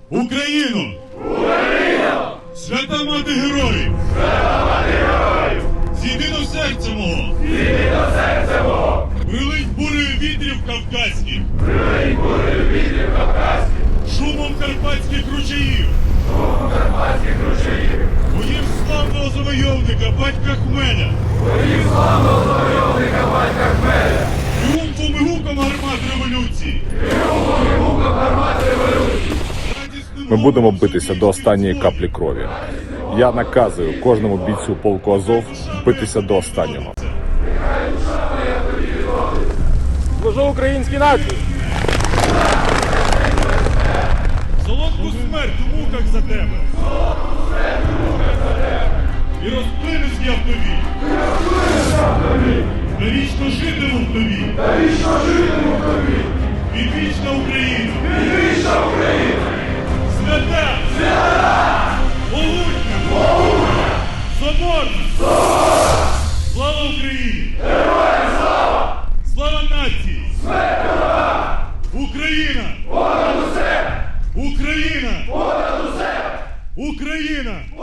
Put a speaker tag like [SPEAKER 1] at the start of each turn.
[SPEAKER 1] Україну!
[SPEAKER 2] Україну!
[SPEAKER 1] Свята мати героїв!
[SPEAKER 2] Свята мати героїв!
[SPEAKER 1] Зійди до серця мого!
[SPEAKER 2] Зійди до серця мого!
[SPEAKER 1] Прилить бурею вітрів кавказьких!
[SPEAKER 2] Прилить бурею вітрів кавказьких!
[SPEAKER 1] Шумом карпатських ручаїв!
[SPEAKER 2] Шумом карпатських ручаїв!
[SPEAKER 1] Боїв славного завойовника батька Хмеля!
[SPEAKER 2] Боїв славного завойовника батька Хмеля!
[SPEAKER 1] Тріумфом і гуком гармат революції!
[SPEAKER 2] Тріумфом і гуком гармат революції!
[SPEAKER 3] Ми будемо битися до останньої каплі крові. Я наказую кожному бійцю полку Азов битися до останнього.
[SPEAKER 4] Служу українській нації!
[SPEAKER 1] Солодку смерть у муках за тебе! І розплинусь я в тобі! Навічно житиму в тобі! Відвічна Україна! Свята! Могутня! Соборна! Слава Україні! Героям слава! Слава нації! Україна! Понад усе! Україна! Понад усе! Україна!